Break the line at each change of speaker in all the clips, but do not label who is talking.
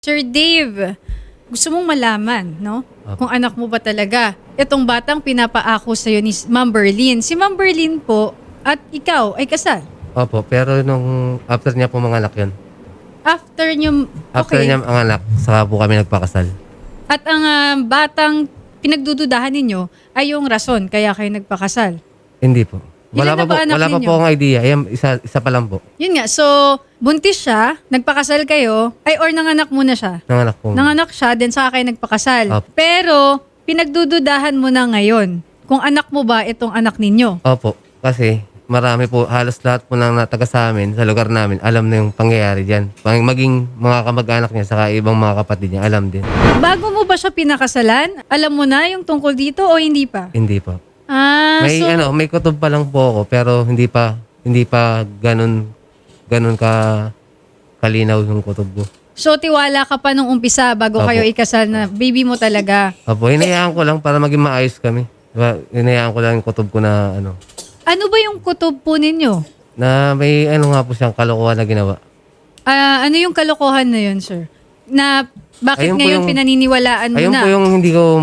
Sir Dave, gusto mong malaman, no? Kung anak mo ba talaga itong batang pinapaako sa'yo ni Ma'am Berlin. Si Ma'am Berlin po at ikaw ay kasal.
Opo, pero nung after niya po manganak yun.
After nyo,
After
okay.
niya manganak, saka po kami nagpakasal.
At ang batang pinagdududahan ninyo ay yung rason kaya kayo nagpakasal.
Hindi po.
Ilan na ba anak
Wala pa
ninyo?
po akong idea. Ayan, isa pa lang po.
Yun nga, so buntis siya, nagpakasal kayo, ay or nanganak muna siya.
Nanganak po.
Nanganak siya, then saka kayo nagpakasal.
Opo.
Pero pinagdududahan mo na ngayon kung anak mo ba itong anak ninyo.
Opo, kasi marami po, halos lahat po ng taga sa amin, sa lugar namin, alam na yung pangyayari dyan. Maging mga kamag-anak niya, saka ibang mga kapatid niya, alam din.
Bago mo ba siya pinakasalan? Alam mo na yung tungkol dito o hindi pa?
Hindi po.
So,
May kutob pa lang po ako, pero hindi pa ganun ka kalinaw yung kutob ko.
so tiwala ka pa nung umpisa bago
Opo.
kayo ikasal na baby mo talaga.
Opo, hinayaan ko lang para maging maayos kami. Diba? Hinayaan ko lang yung kutob ko na
Ano ba yung kutob po ninyo?
na may nga po siyang kalokohan na ginawa.
Ano yung kalokohan na yun, sir? Na bakit
Ayun po
ngayon
yung-
pinaniniwalaan mo
Ayun
na?
po yung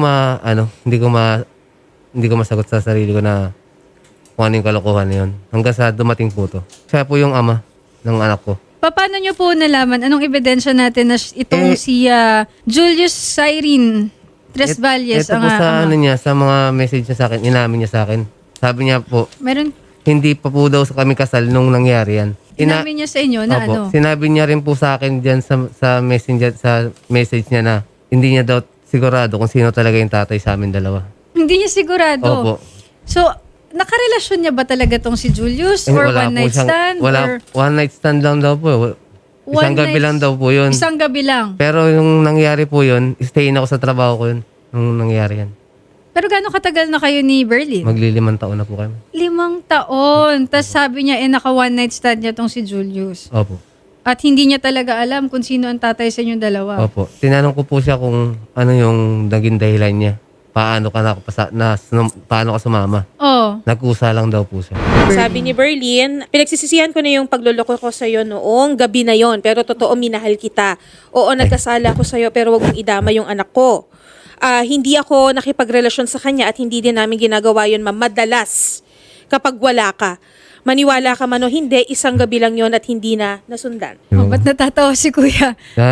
hindi ko masagot sa sarili ko na kung ano yung kalokohan na yun. Hanggang sa dumating po to. Siya po yung ama ng anak ko.
Paano nyo po nalaman? Anong ebidensya natin na itong si Julius Cyrene Tres Valles
Ito
ang
po sa
ama?
niya, sa mga message niya sa akin, inamin niya sa akin. Sabi niya po,
Meron,
hindi pa po daw sa kami kasal nung nangyari yan.
inamin niya sa inyo na
Opo.
ano?
Sinabi niya rin po sa akin diyan sa messenger, sa message niya na hindi niya daw sigurado kung sino talaga yung tatay sa amin dalawa.
Hindi niya sigurado.
Opo.
So, nakarelasyon niya ba talaga tong si Julius? Or one night stand? Or
One night stand lang daw po. Isang gabi lang daw po yun.
Isang gabi lang.
Pero yung nangyari po yun, stay ako sa trabaho ko yun. Nung nangyari yan.
Pero gaano katagal na kayo ni Berlin?
5 taon na po kami.
5 taon. Tapos sabi niya, naka one night stand niya tong si Julius.
Opo.
At hindi niya talaga alam kung sino ang tatay sa inyong dalawa.
Opo. Tinanong ko po siya kung ano yung naging dahilan niya. Paano ka sumama?
Oh.
Nagkusa lang daw po siya.
Sabi ni Berlin, pinagsisisihan ko na yung pagluloko ko sa'yo noong gabi na yon, pero totoo minahal kita. Oo, nagkasala ko sa'yo pero wag mong idama yung anak ko. Hindi ako nakipagrelasyon sa kanya at hindi din namin ginagawa yun madalas kapag wala ka. Maniwala ka man o hindi, isang gabi lang yon at hindi na nasundan.
Oh, ba't natatawa si kuya?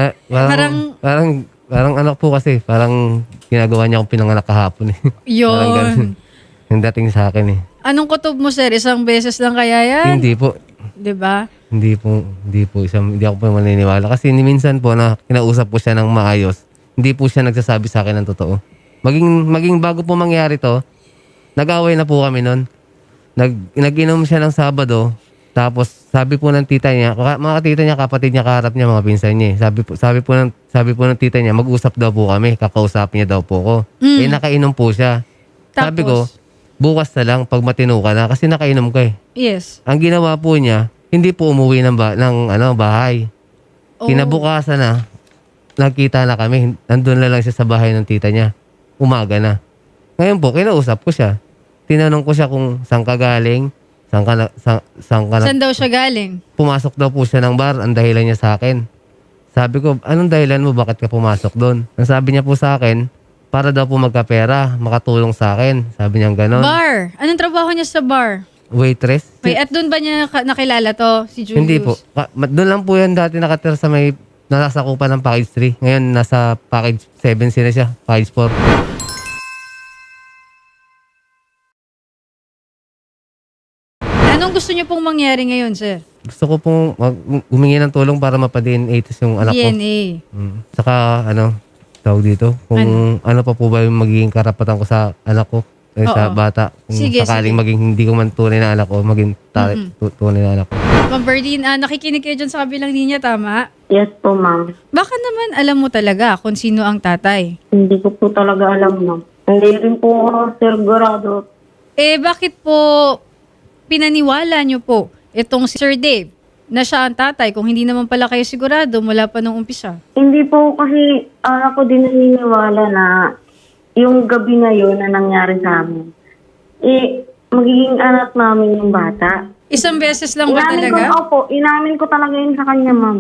Parang anak po kasi. Parang ginagawa niya akong pinanganak kahapon eh. Parang ganun.
Yun.
Yung dating sa akin eh.
Anong kutob mo, sir? Isang beses lang kaya yan?
Hindi po.
'Di ba?
Hindi ako po maniniwala. Kasi minsan po na kinausap ko siya ng maayos, hindi po siya nagsasabi sa akin ng totoo. Maging bago po mangyari to, nag-away na po kami nun. Nag-inom siya ng Sabado, tapos sabi po ng tita niya, mga tita niya, kapatid niya, kaharap niya, mga pinsan niya. Sabi po ng tita niya, mag-usap daw po kami, kakausapin niya daw po ko. Nakainom po siya. Sabi ko,
Tapos?
bukas na lang pag matino ka na, kasi nakainom ka eh.
Yes.
Ang ginawa po niya, hindi po umuwi ng bahay.
Oh.
Kinabukasan na, nakita na kami, nandun na lang siya sa bahay ng tita niya. Umaga na. Ngayon po, kinausap ko siya. Tinanong ko siya kung saan ka galing, saan ka
Saan daw siya galing?
pumasok daw po siya ng bar, ang dahilan niya sa akin. Sabi ko, anong dahilan mo, bakit ka pumasok doon? Ang sabi niya po sa akin, para daw po magkapera, makatulong sa akin. Sabi niya gano'n.
Bar. Anong trabaho niya sa bar?
Waitress?
Wait, at doon ba niya nakilala to, si Julius?
Hindi po. Doon lang po yan dati nakatira sa may nasasakupan ng package 3. Ngayon, nasa package 7 sila siya. Package 4.
Anong gusto niyo pong mangyari ngayon, sir?
Gusto ko pong humingi ng tulong para mapa-DNA test yung anak ko.
DNA.
Saka, tawag dito, kung ano pa po ba yung magiging karapatan ko sa anak ko, sa
Oo.
bata. Kung
Sige,
sakaling
sige.
maging hindi ko man tunay na anak ko, maging tunay na anak ko.
Ma'am Berlin, nakikinig kayo dyan sa kabilang linya, tama?
Yes po, ma'am.
Baka naman alam mo talaga kung sino ang tatay.
Hindi ko po talaga alam, ma'am. Hindi rin po ako sigurado.
Bakit po pinaniwala niyo po itong si Sir Dave na siya ang tatay kung hindi naman pala kayo sigurado mula pa nung umpisa?
Hindi po kasi ako din naniniwala na yung gabi na yun na nangyari sa amin, magiging anak namin yung bata.
Isang beses lang ba
Inamin
talaga?
Inamin ko talaga yun sa kanya, ma'am.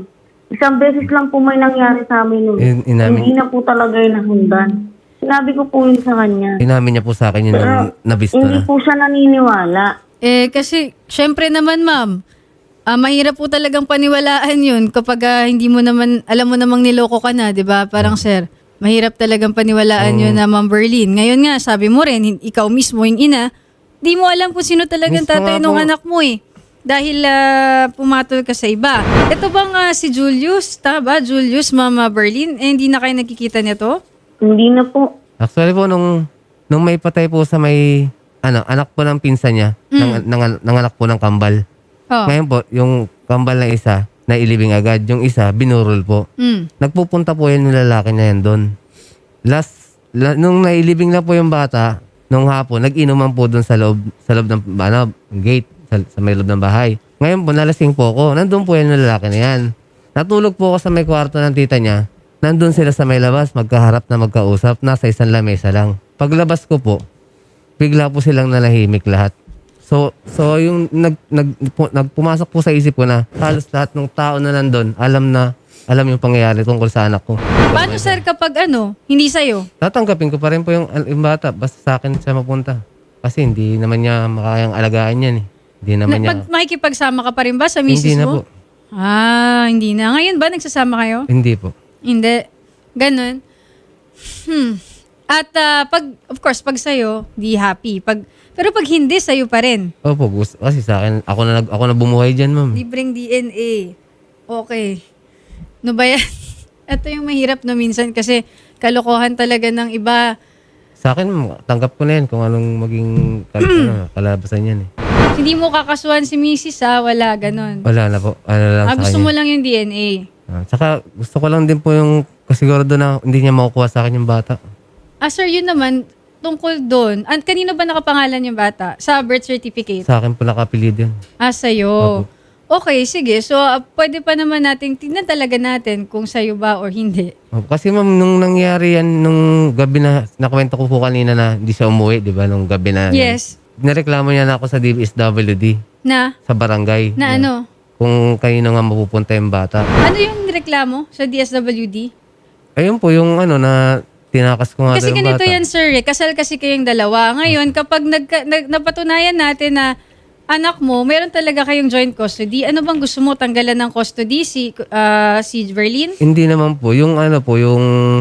Isang beses lang po may nangyari sa amin nun. Hindi na po talaga yung nasundan. Sinabi ko po yun sa kanya.
Inamin niya po sa akin yun nung nabisto
Hindi
na.
po siya naniniwala.
Kasi, syempre naman, ma'am, mahirap po talagang paniwalaan yun kapag hindi mo naman, alam mo namang niloko ka na, di ba? Parang, sir, mahirap talagang paniwalaan yun na Ma'am Berlin. Ngayon nga, sabi mo rin, ikaw mismo yung ina, di mo alam kung sino talagang
Mismo
tatay
nga
ng
po.
anak mo eh. Dahil pumatol ka sa iba. Ito bang si Julius, tama ba? Julius, Mama Berlin, hindi na kayo nakikita nito?
Hindi na po.
Actually po, nung may patay po sa may, anak po ng pinsan niya, ng anak po ng kambal.
Oh.
Ngayon po, yung kambal na isa, nailibing agad. Yung isa, binurol po. Nagpupunta po yan yung lalaki na yan doon. Nung nailibing na po yung bata, nung hapon, nag-inuman po doon sa loob ng gate, sa may loob ng bahay. Ngayon po, nalasing po ako. Nandun po yan yung lalaki na yan. Natulog po ako sa may kwarto ng tita niya. Nandun sila sa may labas, magkaharap na magkausap, nasa isang lamesa lang. Paglabas ko po, bigla po silang nalahimik lahat. So yung nagpumasok po sa isip ko na halos lahat ng tao na nandun, alam yung pangyayari tungkol sa anak ko.
Paano, sir, kapag hindi sa'yo?
Tatanggapin ko pa rin po yung bata, basta sa akin siya mapunta. Kasi hindi naman niya makayang alagaan yan eh. Hindi naman niya.
Makikipagsama ka pa rin ba sa misis
Hindi na
mo?
po.
Hindi na. Ngayon ba nagsasama kayo?
Hindi po.
Hindi. Ganun. At of course, pag sa'yo, di happy. Pero pag hindi, sa'yo pa rin.
Opo, kasi sa akin, ako na bumuhay dyan, ma'am.
Libreng DNA. Okay. No ba yan? Ito yung mahirap na minsan kasi kalokohan talaga ng iba.
Sa akin, tanggap ko na yan kung anong maging kalabasan yan eh.
Hindi mo kakasuhan si Mrs. Wala, ganun.
Wala na po. Ano lang sa
Gusto
kanya.
mo lang yung DNA.
Tsaka gusto ko lang din po yung kasigurado na hindi niya makukuha sa akin yung bata.
Sir, yun naman, tungkol doon. Kanino ba nakapangalan yung bata? Sa birth certificate?
Sa akin po nakapilid yun.
Sa'yo. Okay, sige. So, pwede pa naman natin, tignan talaga natin kung sa'yo ba or hindi.
Kasi ma'am, nung nangyari yan, nung gabi na, nakwento ko po kanina na hindi siya umuwi, di ba? Nung gabi na.
Yes.
Nireklamo niya na ako sa DSWD,
Na?
sa barangay.
Na ano?
Kung kanino nga mapupunta yung bata.
Ano yung reklamo sa DSWD?
Ayun po, yung na tinakas ko nga
Kasi
daw yung
ganito
bata.
yan, sir. Kasal kasi kayong dalawa. Ngayon, kapag napatunayan natin na anak mo, meron talaga kayong joint custody. Ano bang gusto mo? Tanggalan ng custody si Verlin?
Hindi naman po. Yung yung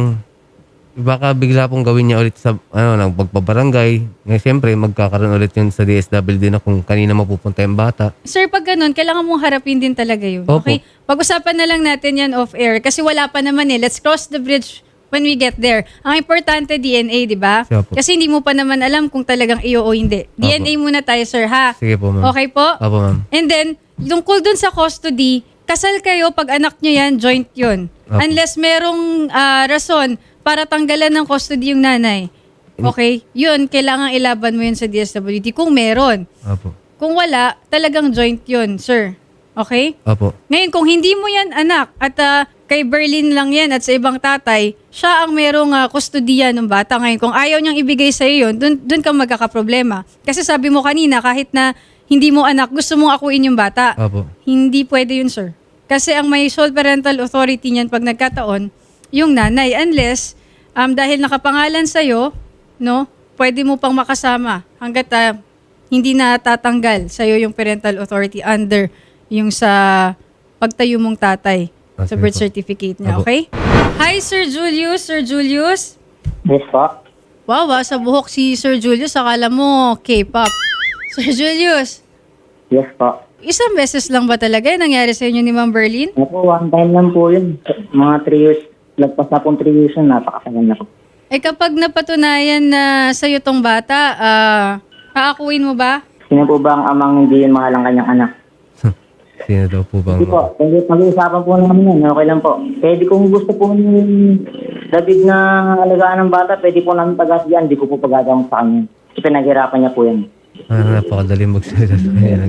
baka bigla pong gawin niya ulit sa ng pagpabarangay. Ngayon, siyempre, magkakaroon ulit yun sa DSWD na kung kanina mapupunta yung bata.
Sir, pag ganun, kailangan mong harapin din talaga yun.
Opo.
Okay? Pag-usapan na lang natin yan off-air kasi wala pa naman eh. Let's cross the bridge when we get there. Ang importante, DNA, di ba?
Siya po.
Kasi hindi mo pa naman alam kung talagang iyo o hindi. DNA muna tayo, sir, ha?
Sige po, ma'am.
Okay po?
Opo, ma'am.
And then, tungkol dun sa custody, kasal kayo, pag anak nyo yan, joint yun.
Opo.
Unless merong rason para tanggalan ng custody yung nanay. Okay? Yun, kailangan ilaban mo yun sa DSWD kung meron.
Opo.
Kung wala, talagang joint yun, sir. Okay?
Opo.
Ngayon, kung hindi mo yan anak at kay Berlin lang yan at sa ibang tatay, siya ang merong kustodiya ng bata. Ngayon, kung ayaw niyang ibigay sa iyo yun, dun ka magkakaproblema. Kasi sabi mo kanina, kahit na hindi mo anak, gusto mong akuin yung bata.
Opo.
Hindi pwede yun, sir. Kasi ang may sole parental authority niyan pag nagkataon, yung nanay. Unless, dahil nakapangalan sa'yo, no, pwede mo pang makasama hanggat hindi na tatanggal sa'yo yung parental authority under yung sa pagtayo mong tatay sa
Sige
birth
po.
certificate niya,
Opo.
okay? Hi, Sir Julius. Sir Julius?
Yes po.
Wow, sa buhok si Sir Julius, akala mo K-pop. Sir Julius,
Yes po.
isang beses lang ba talaga yung nangyari sa inyo ni Ma'am Berlin?
Ako, one time lang po yun. Mga 3 years. Lagpas na pong 3 years yun. Napakasagal na po.
Kapag napatunayan na sa'yo tong bata, aakuin mo ba?
Sino po ba ang amang hindi yun mahal ang kanyang anak?
Sino daw po bang...
Hindi po. Pag-uusapan po namin yan. Okay lang po. Pwede kung gusto po ni David na alagaan ng bata, pwede po namin pag-asiyan. Hindi ko po pag-agawang sa kanya. Kasi pinaghirapan niya po yan.
napakadali magsalita sa kanya.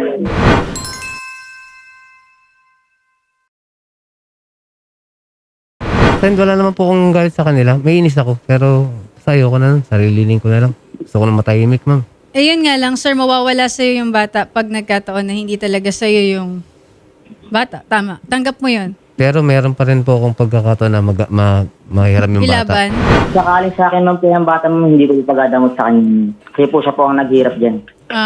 Friend, wala naman po akong galit sa kanila. May inis ako. Pero sayo ko na lang. Sarilinin ko na lang. Gusto ko na matahimik, ma'am.
Yun nga lang, sir, mawawala sa'yo yung bata pag nagkataon na hindi talaga sa'yo yung bata. Tama. Tanggap mo yun.
Pero meron pa rin po akong pagkakataon na mahiram yung bata.
Ilaban.
Sakaling sa akin, ma'am, po yung bata, ma'am, hindi ko po pagdadamot sa kanya. Kasi po siya po ang naghirap dyan.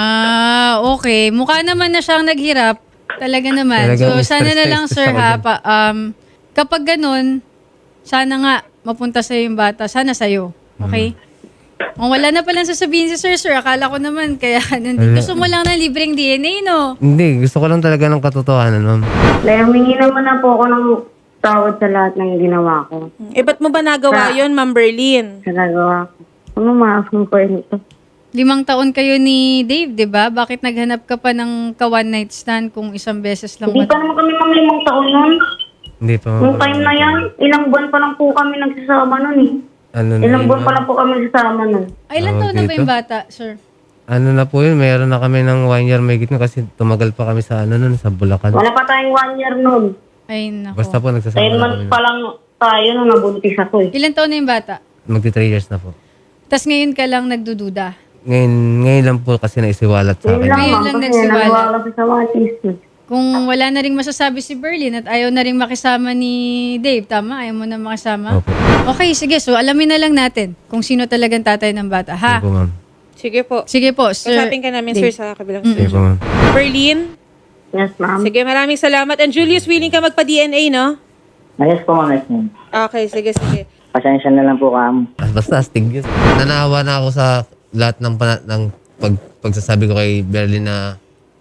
Okay. Mukha naman na siyang naghirap. Talaga naman.
Talagang
So, sana na
stress
lang,
na
sir,
ako
ha,
dyan.
kapag ganun, sana nga mapunta sa'yo yung bata. Sana sa'yo. Okay? Kung wala na palang sasabihin si sir, akala ko naman, kaya nandito. Gusto mo lang ng libreng DNA, no?
Hindi, gusto ko lang talaga ng katotohanan, ma'am.
Dahil humingi naman na po ako ng tawad sa lahat ng ginawa ko.
Eh, ba't mo ba nagawa yon, Ma'am Berlin?
Sa nagawa ko. Ano maafin ko ito?
5 taon kayo ni Dave, di ba? Bakit naghanap ka pa ng ka-one night stand kung isang beses lang?
Hindi pa naman kami ng 5 taon nun.
Hindi pa,
Nung
ma'am.
time na yan, ilang buwan pa lang po kami nagsasama nun eh.
Ano na
Ilang
yun,
buwan pa
ma'am?
lang po kami nagsasama nun.
Ay, ilan
Tawag
taon na ba
dito?
yung bata, sir?
Ano na po yun, meron na kami ng 1 year may gitna kasi tumagal pa kami sa nun, sa Bulacan.
Wala pa tayong 1 year nun.
Ay, nako.
Basta po
10
nagsasama na
months
kami.
pa lang tayo nung nabuntis ako eh.
Ilan taon na yung bata?
Magti 3 years na po.
Tapos ngayon ka lang nagdududa.
Ngayon lang po kasi naisiwalat sa
Yun
akin.
lang
Ngayon
ma'am,
lang
kasi
nagsiwala.
naniwala ko sa watis.
Kung wala na rin masasabi si Berlin at ayaw na rin makisama ni Dave, tama? Ayaw mo na makisama?
Opo.
Okay, sige. So, alamin na lang natin kung sino talagang tatay ng bata, ha?
Sige po, ma'am.
Sige po.
Sige po, sir.
Usapin ka namin,
Dave.
sir, sa kabilang
Sige po,
studio.
ma'am.
Berlin?
Yes ma'am.
Sige, maraming salamat. And Julius, willing ka magpa-DNA, no?
Yes po, ma'am, yes, ma'am.
Okay, sige, sige.
Pasensya na lang po, Kam.
Basta astig yun. Nanawa na ako sa lahat ng pagsasabi ko kay Berlin na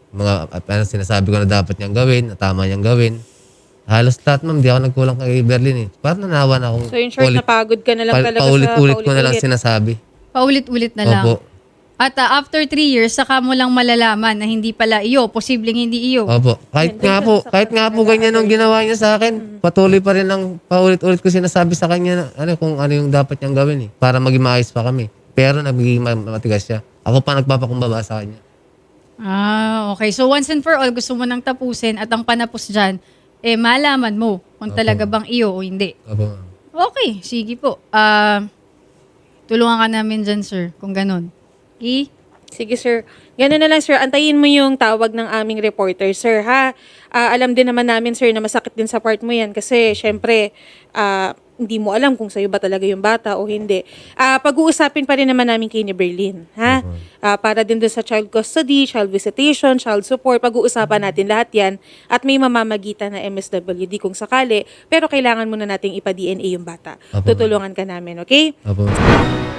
mga sinasabi ko na dapat niyang gawin, na tama niyang gawin. Halos lahat, ma'am, di ako nagkulang kay Berlin eh. Parang nanawa na akong
So, in short, napagod ka na lang talaga
paulit-ulit
sa
ko na lang
paulit-ulit.
sinasabi.
Paulit-ulit na lang.
Opo.
At after 3 years, saka mo lang malalaman na hindi pala iyo, posibleng hindi iyo.
Opo. Kahit nga po ganyan ang ginawa niya sa akin, patuloy pa rin ang paulit-ulit ko sinasabi sa kanya na kung ano yung dapat niyang gawin eh, para maging maayos pa kami. Pero nagiging matigas siya. Ako pa nagpapakumbaba sa kanya.
Okay. So once and for all, gusto mo nang tapusin at ang panapos dyan, malaman mo kung talaga bang iyo o hindi.
Opo, ma'am.
Okay, sige po. Tulungan ka namin dyan, sir, kung ganun. Okay?
Sige, sir. Ganun na lang, sir. Antayin mo yung tawag ng aming reporter, sir, ha? Alam din naman namin, sir, na masakit din sa part mo yan kasi, syempre, hindi mo alam kung sa'yo ba talaga yung bata o hindi. Pag-uusapin pa rin naman namin kay ni Berlin, ha? Para din doon sa child custody, child visitation, child support, pag-uusapan natin lahat yan at may mamamagitan na MSWD kung sakali, pero kailangan muna nating ipa-DNA yung bata.
Opo.
Tutulungan ka namin, okay?
Opo.